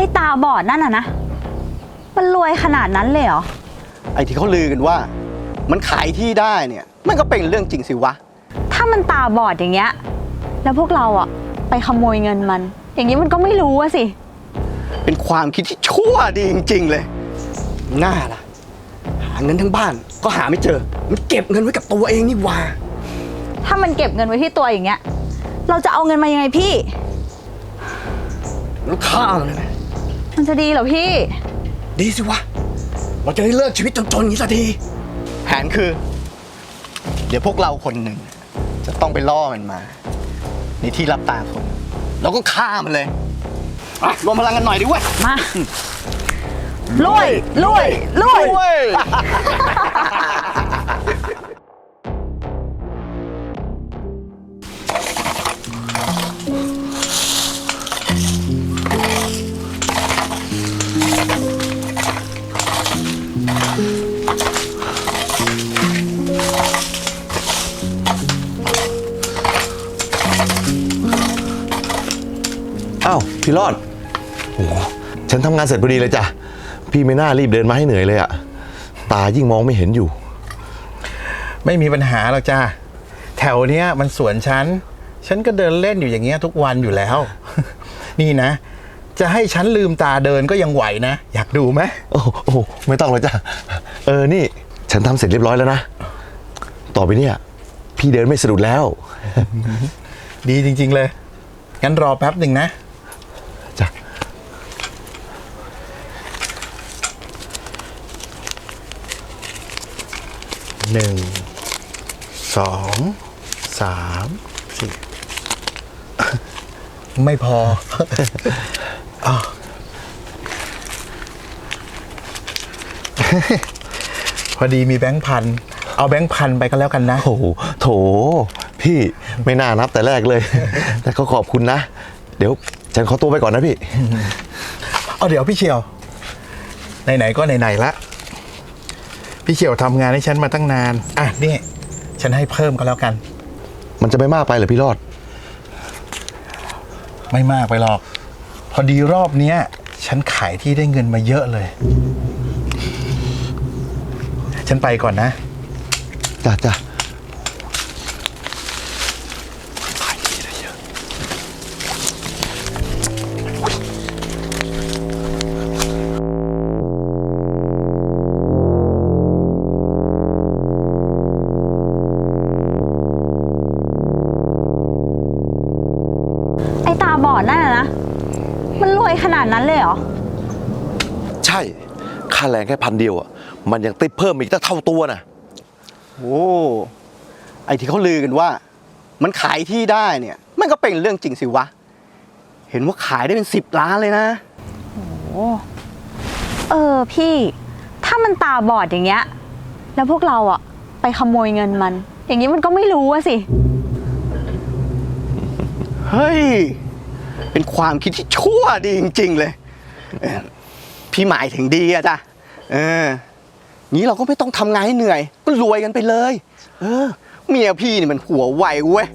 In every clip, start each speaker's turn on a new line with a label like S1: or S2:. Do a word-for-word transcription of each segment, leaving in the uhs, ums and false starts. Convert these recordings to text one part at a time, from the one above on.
S1: อ้ตาบอดนั่นน่ะนะมันรวยขนาดนั้นเลยเหรอ
S2: ไอ้ที่เขาลือกันว่ามันขายที่ได้เนี่ยมันก็เป็นเรื่องจริงสิวะ
S1: ถ้ามันตาบอดอย่างเงี้ยแล้วพวกเราอะไปขโมยเงินมันอย่างนี้มันก็ไม่รู้อะสิ
S2: เป็นความคิดที่ชั่วดีจริงๆเลยน่าล่ะหาเงินทั้งบ้านก็หาไม่เจอมันเก็บเงินไว้กับตัวเองนี่หว่า
S1: ถ้ามันเก็บเงินไว้ที่ตัวอย่างเงี้ยเราจะเอาเงินมายังไงพี่
S2: แล้วฆ่ามันเลยไหม
S1: มันจะดีเหรอพี่
S2: ดีสิวะเราจะได้เลิกชีวิตจนๆอย่างนี้สักทีแผนคือเดี๋ยวพวกเราคนหนึ่งจะต้องไปล่อมันมาในที่รับตาคนแล้วก็ฆ่ามันเลยรวมพลังกันหน่อยดิเว้ย
S1: มาลุยลุยลุย
S3: อ้าวพี่รอดโอ้ฉันทำงานเสร็จพอดีเลยจ้ะพี่ไม่น่ารีบเดินมาให้เหนื่อยเลยอะตายิ่งมองไม่เห็นอยู่
S4: ไม่มีปัญหาหรอกจ้าแถวเนี้ยมันสวนฉันฉันก็เดินเล่นอยู่อย่างเงี้ยทุกวันอยู่แล้วนี่นะจะให้ฉันลืมตาเดินก็ยังไหวนะอยากดูไหม
S3: โอ้โหไม่ต้องเลยจ้ะเออนี่ฉันทำเสร็จเรียบร้อยแล้วนะต่อไปเนี่ยพี่เดินไม่สะดุดแล้ว
S4: ดีจริงๆเลยงั้นรอแป๊บหนึ่งนะ
S3: จ้ะ
S4: หนึ่งสองสามสี่ไม่พออพอดีมีแบงค์พันเอาแบงค์พันไปก็แล้วกันนะ
S3: โอ้โหโถพี่ไม่น่านับแต่แรกเลยแต่ก็ขอบคุณนะเดี๋ยวฉันขอตัวไปก่อนนะพี่
S4: เอาเดี๋ยวพี่เชียวไหนๆก็ไหนๆละพี่เชียวทำงานให้ฉันมาตั้งนานอ่ะนี่ฉันให้เพิ่มก็แล้วกัน
S3: มันจะไม่มากไปเหรอพี่รอด
S4: ไม่มากไปหรอกพอดีรอบเนี้ยฉันขายที่ได้เงินมาเยอะเลยฉันไปก่อนนะ
S3: จ้ะจ้ะ
S1: ไอ้ตาบอดนั่นนะมันรวยขนาดนั้นเลยเหรอ
S3: ใช่ค่าแรงแค่พันเดียวอ่ะมันยังติดเพิ่มอีกตั้งเท่าตัวนะ
S2: โอ้ไอ้ที่เขาลือกันว่ามันขายที่ได้เนี่ยมันก็เป็นเรื่องจริงสิวะเห็นว่าขายได้เป็นสิบล้านเลยนะ
S1: โอ้เออพี่ถ้ามันตาบอดอย่างเงี้ยแล้วพวกเราอะไปขโมยเงินมันอย่างนี้มันก็ไม่รู้อะสิ
S2: เฮ้ยเป็นความคิดที่ชั่วดีจริงๆเลยพี่หมายถึงดีอะจ้ะเออนี้เราก็ไม่ต้องทำงานให้เหนื่อยก็รวยกันไปเลยเออเมียพี่นี่มันหัวไวเว้ย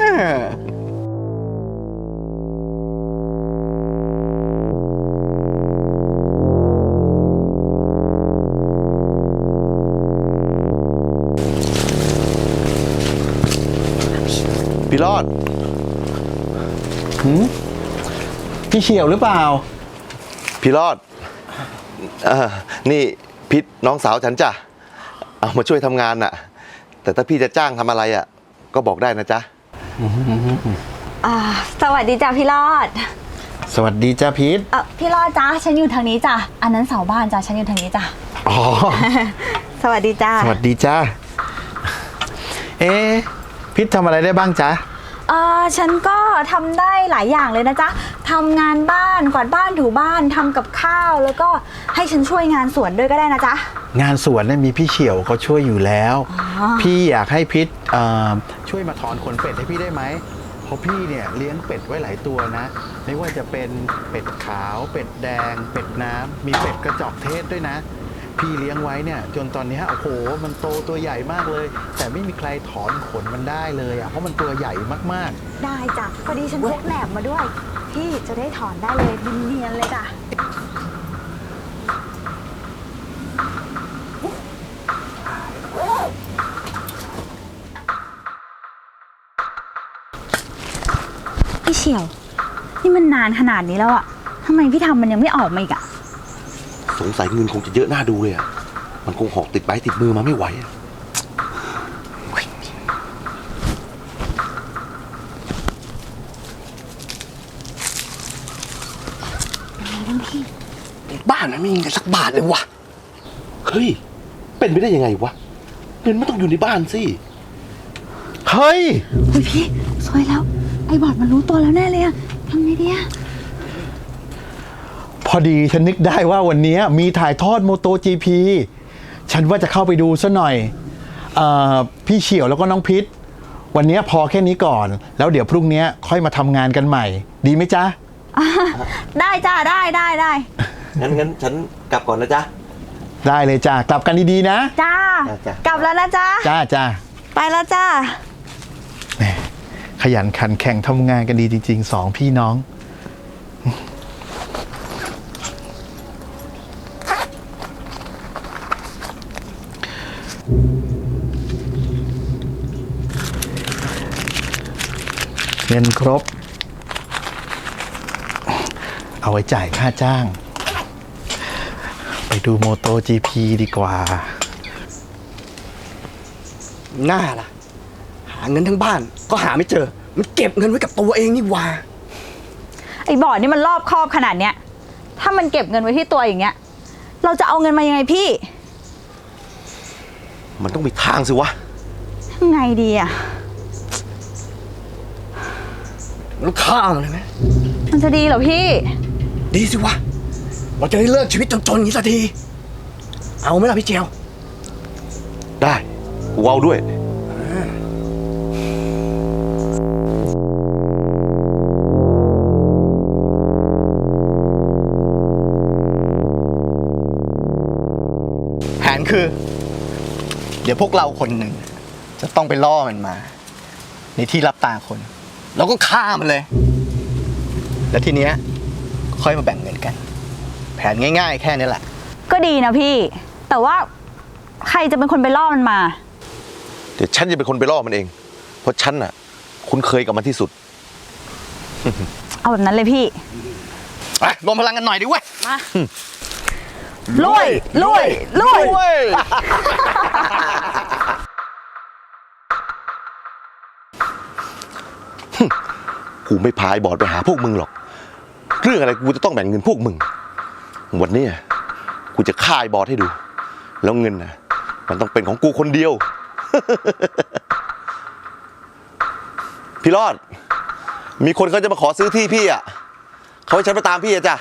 S3: พี่รอด
S4: หืมพี่เฉียวหรือเปล่า
S3: พี่รอดเออนี่พิษน้องสาวฉันจ้ะเอามาช่วยทำงานน่ะแต่ถ้าพี่จะจ้างทำอะไรอ่ะก็บอกได้นะจ๊ะ
S1: อ่าสวัสดีจ้ะพี่รอด
S4: สวัสดีจ้ะพิษ
S1: เออพี่รอดจ้ะฉันอยู่ทางนี้จ้ะอันนั้นเสาบ้านจ้ะฉันอยู่ทางนี้จ้ะ
S4: อ๋อ
S1: สวัสดีจ้ะ
S4: สวัสดีจ้ะเอ๊ะพิษทำอะไรได้บ้างจ๊ะ
S1: เออฉันก็ทำได้หลายอย่างเลยนะจ๊ะทำงานบ้านกวาดบ้านถูบ้านทำกับข้าวแล้วก็ให้ฉันช่วยงานสวนด้วยก็ได้นะจ๊ะ
S4: งานสวนเนี่ยมีพี่เฉียวเขาช่วยอยู่แล้วพี่อยากให้พิษช่วยมาถอนขนเป็ดให้พี่ได้ไหมเพราะพี่เนี่ยเลี้ยงเป็ดไว้หลายตัวนะไม่ว่าจะเป็นเป็ดขาวเป็ดแดงเป็ดน้ำมีเป็ดกระจอกเทศด้วยนะพี่เลี้ยงไว้เนี่ยจนตอนนี้โอ้โหมันโตตัวใหญ่มากเลยแต่ไม่มีใครถอนขนมันได้เลยอ่ะเพราะมันตัวใหญ่มาก
S1: ๆได้จ้ะพอดีฉันพกแหนบมาด้วยพี่จะได้ถอนได้เลยเนียนๆเลยจ้ะฉียว นี่มันนานขนาดนี้แล้วอะทำไมพี่ทำมันยังไม่ออกมาอีกอะ
S3: สงสัยเงินคงจะเยอะหน้าดูเลยอ่ะ มันคงหอกติดไม้ติดมือมาไม่ไหวอะ
S2: บ้านมันไม่มีเงินสักบาทเลยวะ
S3: เฮ้ย เป็นไปได้ยังไงวะ เงินไม่ต้องอยู่ในบ้านสิ
S4: เฮ้ย
S1: เฮ้ยพี่สวยแล้ว ไอ้บอดมันรู้ตัวแล้วแน่เลยอะทำไงดีอะ
S4: พอดีฉันนึกได้ว่าวันนี้มีถ่ายทอดโมโต จี พี ฉันว่าจะเข้าไปดูซะหน่อยเออพี่เฉียวแล้วก็น้องพิษ วันนี้พอแค่นี้ก่อน แล้วเดี๋ยวพรุ่งนี้ค่อยมาทำงานกันใหม่ ดีไหมจ๊ะ
S1: ได้จ้าได้ได้ได้
S3: งั้นงั้นฉันกลับก่อนนะจ๊ะ
S4: ได้เลยจ้ะกลับกันดีๆนะ
S1: จ้า
S3: จ้ะ
S1: กลับแล้วนะจ้า
S4: จ้าจ้า
S1: ไปแล้วจ้า
S4: แหมขยันขันแข่งทำงานกันดีจริงๆสองพี่น้อง เงินครบ เอาไว้จ่ายค่าจ้าง ไปดูโมโต จี พี ดีกว่า
S2: หน้าล่ะ หาเงินทั้งบ้านก็หาไม่เจอ มันเก็บเงินไว้กับตัวเองนี่หว่า
S1: ไอ้บอดนี่มันรอบคอบขนาดเนี้ย ถ้ามันเก็บเงินไว้ที่ตัวอย่างเงี้ย เราจะเอาเงินมายังไงพี่
S3: มันต้องมีทางสิวะ
S1: ยังไงดีอะ
S2: มันฆ่ามันเลยไหม
S1: มันจะดีเหรอพี่
S2: ดีสิวะ เราจะได้เลิกชีวิตจนๆอย่างนี้สักที เอาไหมล่ะพี่เจียว
S3: ได้ กูเอาด้วย
S2: แผนคือ เดี๋ยวพวกเราคนหนึ่ง จะต้องไปล่อมันมา ในที่รับตาคน แล้วก็ฆ่ามันเลย แล้วทีเนี้ยค่อยมาแบ่งเงินกัน แผนง่ายๆ แค่นี้แหละ
S1: ก็ดีนะพี่ แต่ว่าใครจะเป็นคนไปล่อมันมา
S3: เดี๋ยวฉันจะเป็นคนไปล่อมันเอง เพราะฉันน่ะ คุ้นเคยกับมันที่สุด
S1: เอาแบบนั้นเลยพี่
S2: ไปรวมพลังกันหน่อยดิเว้ย
S1: มาลุยลุยลุย
S3: กูไม่พายบอดไปหาพวกมึงหรอก เรื่องอะไรกูจะต้องแบ่งเงินพวกมึง วันนี้กูจะฆ่าไอ้บอดให้ดู แล้วเงินนะมันต้องเป็นของกูคนเดียว พี่รอด มีคนเขาจะมาขอซื้อที่พี่อ่ะเขาให้ฉันไปตามพี่อะจ้ะ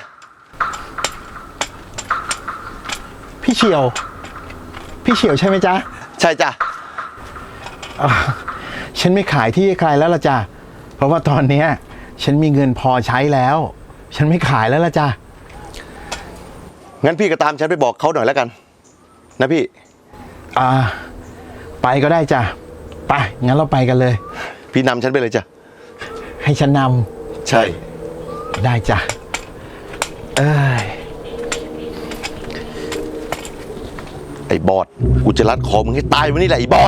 S4: พี่เฉียว พี่เฉียวใช่ไหมจ๊ะ
S3: ใช่จ้ะ
S4: อ่าฉันไม่ขายที่ให้ใครแล้วล่ะจ้ะ เพราะว่าตอนเนี้ยฉันมีเงินพอใช้แล้ว ฉันไม่ขายแล้วล่ะจ้ะ
S3: งั้นพี่ก็ตามฉันไปบอกเขาหน่อยแล้วกัน นะพี่
S4: อ่า ไปก็ได้จ้ะ ไป งั้นเราไปกันเลย
S3: พี่นำฉันไปเลยจ้ะ
S4: ให้ฉันน
S3: ใช่
S4: ำได้จ้ะ เอ้ย
S3: ไอ้บอด กูจะรัดคอมึงให้ตายวันนี้แหละไอ้บอด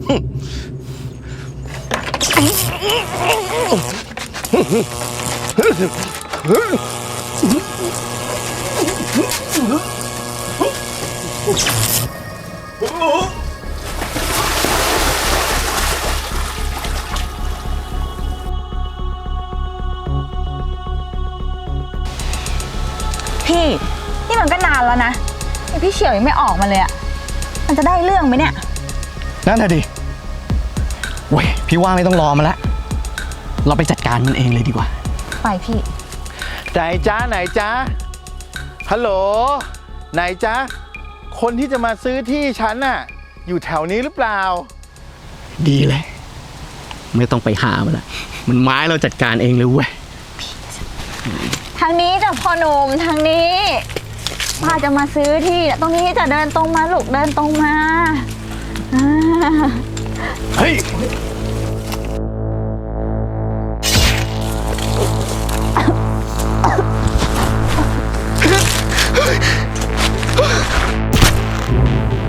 S1: พี่ นี่มันก็นานแล้วนะไอพี่เฉียวยังไม่ออกมาเลยอะมันจะได้เรื่องไหมเนี่ย
S2: นั่นน่ะดิเว้ย พี่ว่าไม่ต้องรอมาแล้ว เราไปจัดการมันเองเลยดีกว่า
S1: ไปพี่
S4: ไหนจ้าไหนจ้าฮัลโหล ไหนจ้าคนที่จะมาซื้อที่ฉันน่ะ อยู่แถวนี้หรือเปล่า
S2: ดีเลย ไม่ต้องไปหามันละมันไม้เราจัดการเองเลยเว้ย
S1: ทางนี้จ้ะพ่อหนุ่มทางนี้ป้าจะมาซื้อที่น่ะตรงนี้จะเดินตรงมาลูกเดินตรงมาอ่า
S2: เฮ้ย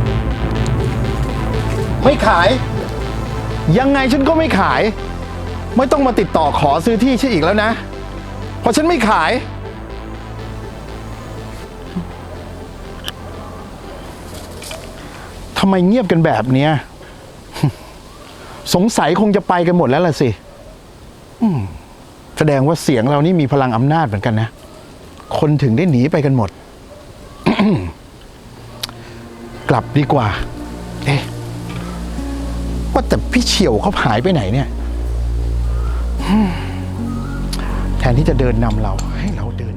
S4: ไม่ขาย ยังไงฉันก็ไม่ขายไม่ต้องมาติดต่อขอซื้อที่ฉันอีกแล้วนะ เพราะฉันไม่ขาย ทำไมเงียบกันแบบเนี้ย สงสัยคงจะไปกันหมดแล้วล่ะสิอืมแสดงว่าเสียงเรานี่มีพลังอำนาจเหมือนกันนะ คนถึงได้หนีไปกันหมด กลับดีกว่า เอ๊ะ ว่าแต่พี่เฉียวเขาหายไปไหนเนี่ย แทนที่จะเดินนำเราให้เราเดิน